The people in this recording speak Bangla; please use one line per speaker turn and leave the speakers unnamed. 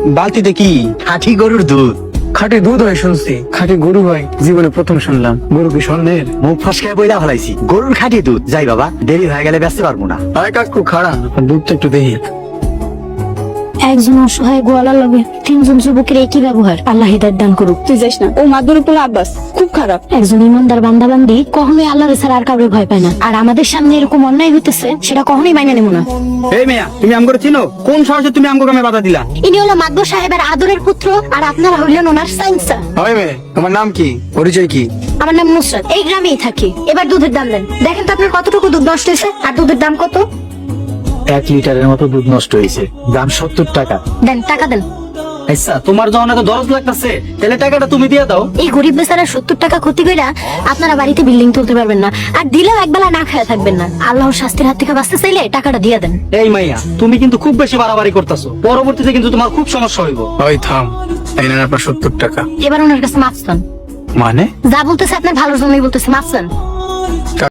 বালতিতে কি?
খাঁটি গরুর দুধ।
খাঁটি দুধ হয় শুনছি, খাঁটি গরু হয় জীবনে প্রথম শুনলাম। গরু কি স্বর্ণের?
মুখ ফসকায় বইলা ফেলাইছি, গরুর খাঁটি দুধ। যাই বাবা, দেরি হয়ে গেলে বেচতে পারবো না।
আয় কাকু খাড়া, দুধটা একটু দেখি।
একজন অসহায় গোয়ালা লগে তিনজন যুবকের একই ব্যবহার। আল্লাহ হিদায়াত দান করুক।
তুই যাস না, ও মাদুর উপর আব্বাস খুব খারাপ।
একজন ইমানদার বান্দাবান্দি কখনোই আল্লাহর ছাড়া আর কাউকে ভয় পায় না। আর আমাদের সামনে এরকম অন্যায় হইতেছে, সেটা কখনোই মাইনে নেব না।
এই মেয়া, তুমি আমগরে চিনো? কোন সাহসে তুমি আমগো কামে বাধা দিলা?
ইনি হলো মাদবর সাহেবের আদরের পুত্র, আর আপনারা হইলেন ওনার সাইন্সা।
হয় মেয়ে, তোমার নাম কি, পরিচয় কি?
আমার নাম নুসরাত, এই গ্রামেই থাকি। এবার দুধের দাম দেন। দেখেন তো আপনার কতটুকু দুধ নষ্ট হয়েছে, আর দুধের দাম কত।
1 লিটারের মতো দুধ নষ্ট হয়েছে, দাম 70 টাকা।
দেন, টাকা দেন।
আচ্ছা, তোমার যখন এত দরদ লাগতেছে, তাহলে টাকাটা তুমি দিয়ে দাও।
এই গরিব বেচারা 70 টাকা ক্ষতি কইরা আপনারা বাড়িতে বিল্ডিং তুলতে পারবেন না, আর দিলেও একবেলা না খায়া থাকবেন না। আল্লাহর শাস্তির হাত থেকে বাঁচতে চাইলে টাকাটা দিয়ে দেন।
এই মাইয়া, তুমি কিন্তু খুব বেশি বাড়াবাড়ি করতেছো, পরবর্তীতে কিন্তু তোমার খুব সমস্যা হইব।
ওই থাম, এই নেন আপনার 70 টাকা।
এবার ওনার কাছে মাফ চান।
মানে?
যা বলতেছে আপনার ভালোর জন্যই বলতেছে, মাফ চান।